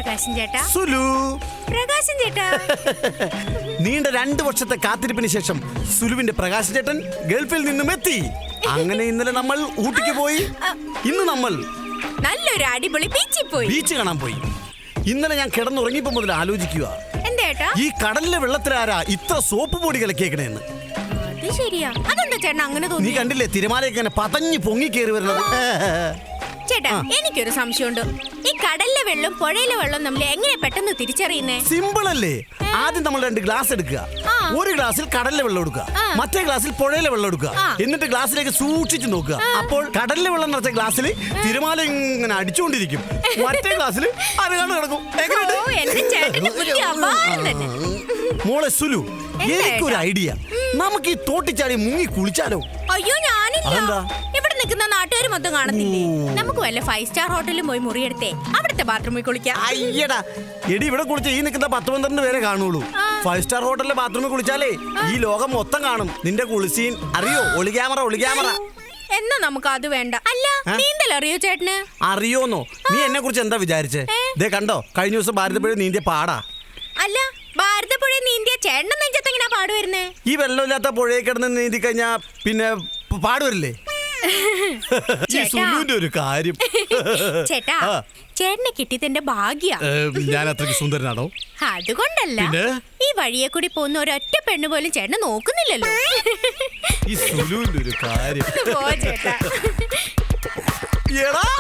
പ്രകാശൻ ചേട്ടാ. സുലു. പ്രകാശൻ ചേട്ടാ. നീണ്ട 2 വർഷത്തെ കാത്തിരിപ്പിന് ശേഷം സുലുവിന്റെ പ്രകാശൻ ചേട്ടൻ ഗൾഫിൽ നിന്നും എത്തി. അങ്ങനെ ഇന്നലെ നമ്മൾ ഊട്ടിക്ക് പോയി. ഇന്ന് നമ്മൾ നല്ലൊരു അടിപൊളി ബീച്ചിൽ പോയി. ബീച്ച് കാണാൻ പോയി. ഇന്നലെ ഞാൻ കിടന്നുറങ്ങിയപ്പോ മുതൽ ആലോചിക്കുക, എന്തേട്ടാ ഈ കടലിലെ വെള്ളത്തിലാരാ ഇത്ര സോപ്പ് പൊടി കലക്കിയേക്കണേന്ന്. അത് ശരിയാ. അതെന്താ ചേട്ടൻ അങ്ങനെ നീ തോന്നി? കണ്ടില്ലേ തിരമാലയൊക്കെ ഇങ്ങനെ പതഞ്ഞു പൊങ്ങി കയറി വരുന്നത്? ചേട്ടാ എനിക്കൊരു സംശയമുണ്ട്. ഈ കടലിലെ വെള്ളം പുഴയിലെ വെള്ളം നമ്മൾ എങ്ങനെ പെട്ടെന്ന് തിരിച്ചറിയുന്നേ? സിമ്പിൾ അല്ലേ? ആദ്യം നമ്മൾ 2 ഗ്ലാസ് എടുക്കുക. ഒരു ഗ്ലാസ്സിൽ കടലിലെ വെള്ളം എടുക്കുക, മറ്റേ ഗ്ലാസ്സിൽ പുഴയിലെ വെള്ളം എടുക്കുക. എന്നിട്ട് ഗ്ലാസ്സിലേക്ക് സൂക്ഷിച്ചു നോക്കുക. അപ്പോൾ കടലിലെ വെള്ളം നിറച്ച ഗ്ലാസ്സിൽ തിരമാല ഇങ്ങനെ അടിച്ചുകൊണ്ടിരിക്കും, മറ്റേ ഗ്ലാസ്സിൽ അരകാണ് കിടക്കും. ഓ, എന്റെ ചേട്ടന്റെ ബുദ്ധി അപാരം തന്നെ. മോളെ സുലു, എനിക്കൊരു ഐഡിയ. നമുക്ക് ഈ തോട്ടിച്ചാടി മുങ്ങി കുളിച്ചാലോ? അയ്യോ ഞാനില്ല. അതെന്താ? ഇവിടെ നിൽക്കുന്ന നാട്ടുകാർ മൊത്തം കാണത്തില്ലേ? നമുക്ക് വല്ല 5 സ്റ്റാർ ഹോട്ടലിൽ പോയി മുറിയെടുത്തേ അവിടുത്തെ ബാത്റൂമിൽ കുളിക്കാം. അയ്യടാ എടി, ഇവിടെ കുളിച്ച ഈ നിൽക്കുന്ന 10-12 പേരെ കാണുള്ളൂ. 5 സ്റ്റാർ ഹോട്ടലിലെ ബാത്റൂമിൽ കുളിച്ചാലേ ഈ ലോകം മൊത്തം കാണും. നിന്റെ കുളിസീൻ അറിയോ? ഒളി ക്യാമറ. എന്നാ നമുക്ക് അത് വേണ്ട. അല്ല നീന്തൽ അറിയോ ചേട്ടന്? അറിയോന്നോ? നീ എന്നെ കുറിച്ച് എന്താ വിചാരിച്ചേ? ദേ കണ്ടോ, കഴിഞ്ഞ ദിവസം ഭാരതപ്പുഴ നീന്തിയ പാടാ. അല്ല ഭാരതപ്പുഴ നീന്തിയ ചേട്ടൻ നെഞ്ചത്ത് എങ്ങനെ പാട് വരുന്നേ? ഈ വെള്ളമില്ലാത്ത പുഴയിൽ കിടന്ന് നീന്തി കഴിഞ്ഞാ പിന്നെ പാടുവരില്ലേ? ഈ സുലുവിന്റെ ഒരു കാര്യം. ചേട്ടാ ചേട്ടനെ കിട്ടിയതിന്റെ ഭാഗ്യ. ഞാൻ അത്രയ്ക്ക് സുന്ദരനാണോ? അതുകൊണ്ടല്ല, ഈ വഴിയെ കൂടി പോകുന്ന ഒരൊറ്റ പെണ്ണ് പോലും ചേട്ടനെ നോക്കുന്നില്ലല്ലോ. ഈ സുലുവിന്റെ ഒരു കാര്യം. പോ ചേട്ടാ. എടാ,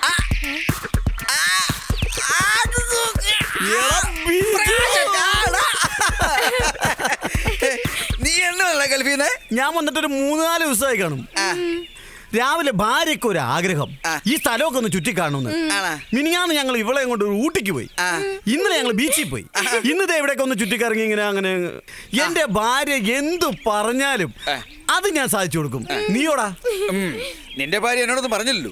നീ എന്നല്ല ഗൾഫീന്ന്? ഞാൻ വന്നിട്ട് ഒരു 3-4 ദിവസമായി കാണും. രാവിലെ ഭാര്യയ്ക്ക് ഒരു ആഗ്രഹം, ഈ സ്ഥലമൊക്കെ ഒന്ന് ചുറ്റിക്കാണുന്ന്. മിനിഞ്ഞാന്ന് ഞങ്ങൾ ഇവളെ കൊണ്ട് ഊട്ടിക്ക് പോയി. ഇന്നലെ ഞങ്ങൾ ബീച്ചിൽ പോയി. ഇന്നത്തെ എവിടെയൊക്കെ ഒന്ന് ചുറ്റിക്കറങ്ങി ഇങ്ങനെ അങ്ങനെ. എന്റെ ഭാര്യ എന്തു പറഞ്ഞാലും അത് ഞാൻ സാധിച്ചു കൊടുക്കും. നീയോടാ? നിന്റെ ഭാര്യ എന്നോടൊന്നും പറഞ്ഞില്ലല്ലോ.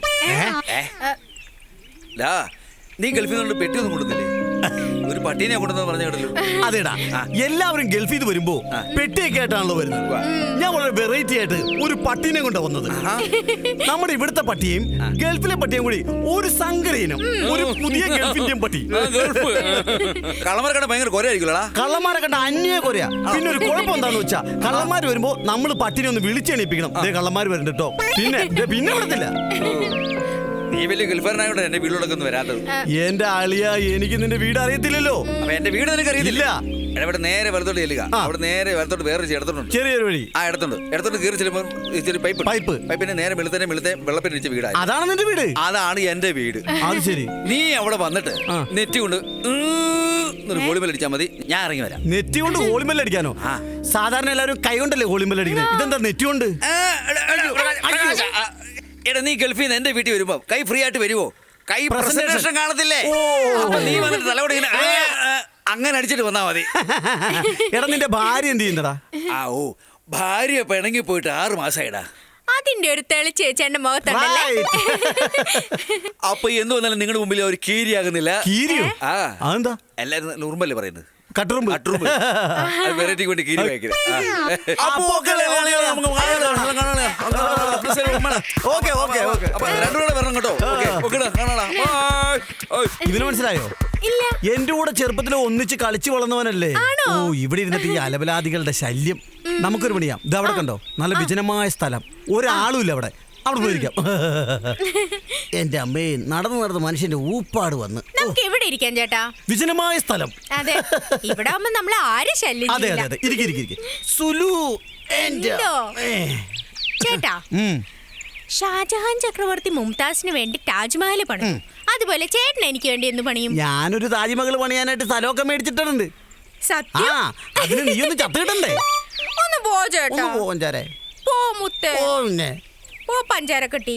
നീ ഗൾഫിൽ നിന്നോട് പെട്ടിയൊന്നും കൊടുത്തില്ലേ? ഒരു പട്ടീനെ കൊണ്ടുവന്ന് പറഞ്ഞു കേട്ടല്ലോ. അതേടാ, എല്ലാവരും ഗൾഫിൽ നിന്ന് വരുമ്പോ പെട്ടിയൊക്കെ ആയിട്ടാണല്ലോ വരുന്നത്. ഞാൻ വളരെ വെറൈറ്റി ആയിട്ട് ഒരു പട്ടീനെ കൊണ്ടാ വന്നത്. നമ്മുടെ ഇവിടുത്തെ പട്ടിയും ഗൾഫിലെ പട്ടിയും കൂടി ഒരു സങ്കരയിനം, ഒരു പുതിയ ഗൾഫിന്റെയും പട്ടി. കള്ളന്മാരെ കണ്ട ഭയങ്കര കൊരയായിരിക്കുമല്ലോടാ. കള്ളന്മാരെ കണ്ട അന്യ കൊരയാ. പിന്നെ ഒരു കുഴപ്പം എന്താന്ന് വെച്ചാ, കള്ളന്മാര് വരുമ്പോ നമ്മൾ പട്ടിനെ ഒന്ന് വിളിച്ചെണീപ്പിക്കണം. അതേ കള്ളന്മാര് വരുന്നുണ്ട് കേട്ടോ. പിന്നെ വിടത്തില്ല. നീ വലിയ ഗൾഫാരനായോണ്ട് എന്റെ വീട്ടിലൊക്കെ ഒന്ന് വരാത്തത്. എന്റെ ആളിയ, എനിക്ക് നിന്റെ വീട് അറിയത്തില്ലല്ലോ. അപ്പൊ എന്റെ വീട് നിനക്ക് അറിയത്തില്ല. ഇവിടെ നേരെ വലത്തോട്ട് ചെല്ലുക. അവിടെ നേരെ വലത്തോട്ട് വേറെ ഇടത്തുണ്ട്, ചെറിയൊരു വഴി. ഇടത്തോട്ട് കയറി ചെല്ലുമ്പോൾ പൈപ്പിന്റെ നേരെ വെളുത്തന്നെ വെള്ളപ്പിന് വെച്ച വീടാണ്. അതാണ് നിന്റെ വീട്? അതാണ് എന്റെ വീട്. അത് ശരി. നീ അവിടെ വന്നിട്ട് നെറ്റ് കൊണ്ട് ഹോളിമേലടിച്ചാൽ മതി, ഞാൻ ഇറങ്ങി വരാം. നെറ്റ് കൊണ്ട് ഹോളിമേലടിക്കാനോ? സാധാരണ എല്ലാവരും കൈ കൊണ്ടല്ലേ ഹോളിമേലടിക്കുന്നത്. ഇതെന്താ നെറ്റ് കൊണ്ട്? എടാ, നീ ഗൾഫിൽ നിന്ന് എന്റെ വീട്ടിൽ വരുമ്പോ കൈ ഫ്രീ ആയിട്ട് വരുവോ? കൈ പ്രസന്റേഷൻ കാണത്തില്ലേ? അപ്പൊ നീ വന്നിട്ട് തലയോടെ അങ്ങനെ അടിച്ചിട്ട് വന്നാ മതി. എടാ, നിന്റെ ഭാര്യ എന്ത് ചെയ്യുന്നടാ? ഭാര്യ പിണങ്ങി പോയിട്ട് 6 മാസമായിടാ. അതിന്റെ ഒരു തെളിച്ചേച്ചന്റെ മുഖത്തുണ്ടല്ലേ. അപ്പൊ എന്ത് വന്നാലും നിങ്ങളുടെ മുമ്പിൽ ഒരു കീരിയാകുന്നില്ല. കീരിയോ? അതെന്താ? എല്ലാരും നോർമല്ലേ പറയുന്നത്? കട്ടറുമ്പ്. വെറൈറ്റിക്ക് വേണ്ടി കീരി വായിക്കുന്നത്. രണ്ടുകൂടെ വരണം കേട്ടോ. ഇതിന് മനസ്സിലായോ? എന്റെ കൂടെ ചെറുപ്പത്തിൽ ഒന്നിച്ച് കളിച്ചു വളർന്നവനല്ലേ? ഓ, ഇവിടെ ഇരുന്നിട്ട് ഈ അലബലാദികളുടെ ശല്യം. നമുക്കൊരു പണിയാം. ഇത് അവിടെ കണ്ടോ, നല്ല വിജനമായ സ്ഥലം, ഒരാളും ഇല്ല അവിടെ. അവിടെ പോയിരിക്കാം. എന്റെ അമ്മേ, നടന്ന് മനുഷ്യന്റെ ഊപ്പാട് വന്ന്. നമുക്ക് എവിടെ ഇരിക്കാം ചേട്ടാ? വിജനമായ സ്ഥലം. അതെ, ഇവിടെ ആവുമ്പോ നമ്മളെ ആരും ശല്യം ചെയ്യില്ല. അതെ, ഇരിക്കും. സുലു ചേട്ടാ, ഷാജഹാൻ ചക്രവർത്തി മുംതാസിന് വേണ്ടി താജ്മഹൽ പണിയും. അതുപോലെ ചേട്ടൻ എനിക്ക് വേണ്ടി എന്ന് പണിയും? ഞാനൊരു താജ്മഹൽ പണിയാനായിട്ട് സ്ഥലമൊക്കെ മേടിച്ചിട്ടുണ്ട്. സത്യം? അതിന് നീ ഒന്ന് ചത്തിട്ടണ്ടേ? ഒന്ന് പോ ചേട്ടാ. പോ മുത്തേ. പോ പഞ്ചാരക്കട്ടി.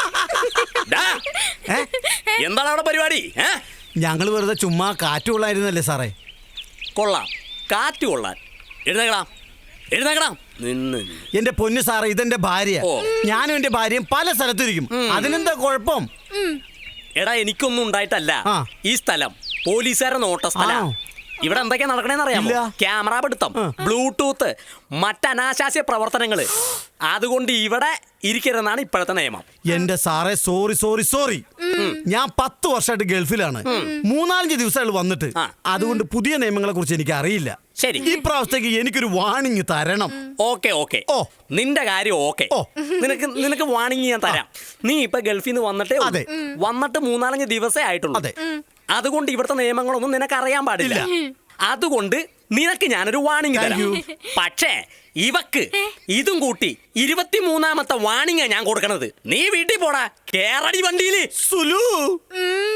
എന്താണ് അവിടെ പരിപാടി? ഞങ്ങൾ വെറുതെ ചുമ്മാ കാറ്റ് കൊള്ളായിരുന്നല്ലേ സാറേ. കൊള്ളാം, കാറ്റ് കൊള്ളാൻ. എഴുന്നേക്കണം. എന്റെ പൊന്നു സാറേ, ഇതെന്റെ ഭാര്യ. ഞാനും എന്റെ ഭാര്യയും പല സ്ഥലത്തിരിക്കും. അതിനെന്താ കുഴപ്പം? എടാ, എനിക്കൊന്നും ഉണ്ടായിട്ടല്ല. ഈ സ്ഥലം പോലീസുകാരെ നോട്ട സ്ഥലം. ഇവിടെ എന്തൊക്കെയാ നടക്കണേന്ന് അറിയാമോ? ക്യാമറ പിടുത്തം, ബ്ലൂടൂത്ത്, മറ്റനാശാസ്യ പ്രവർത്തനങ്ങള്. അതുകൊണ്ട് ഇവിടെ ഇരിക്കരുതെന്നാണ് ഇപ്പോഴത്തെ നിയമം. എന്റെ സാറേ സോറി ഞാൻ 10 വർഷമായിട്ട് ഗൾഫിലാണ്. 3-4 ദിവസമായിട്ട് വന്നിട്ട്. അതുകൊണ്ട് പുതിയ നിയമങ്ങളെ കുറിച്ച് എനിക്ക് അറിയില്ല. ശരി, ഈ പ്രാവശ്യത്തേക്ക് എനിക്കൊരു വാണിംഗ് തരണം. ഓക്കെ. ഓ. നിന്റെ കാര്യം ഓക്കെ. ഓ. നിനക്ക് വാണിംഗ് ഞാൻ തരാം. നീ ഇപ്പൊ ഗൾഫിൽ നിന്ന് വന്നിട്ടേ ഉള്ളൂ. അതെ. വന്നിട്ട് 3-4 ദിവസമേ ആയിട്ടുള്ളൂ. അതെ. അതുകൊണ്ട് ഇവിടുത്തെ നിയമങ്ങളൊന്നും നിനക്ക് അറിയാൻ പാടില്ല. അതുകൊണ്ട് നിനക്ക് ഞാനൊരു വാണിംഗ് തരാം. പക്ഷേ ഇവക്ക് ഇതും കൂട്ടി 23ാമത്തെ വാണിംഗാ ഞാൻ കൊടുക്കണത്. നീ വീട്ടിൽ പോടാ, കേറടി വണ്ടിയില്. സുലു.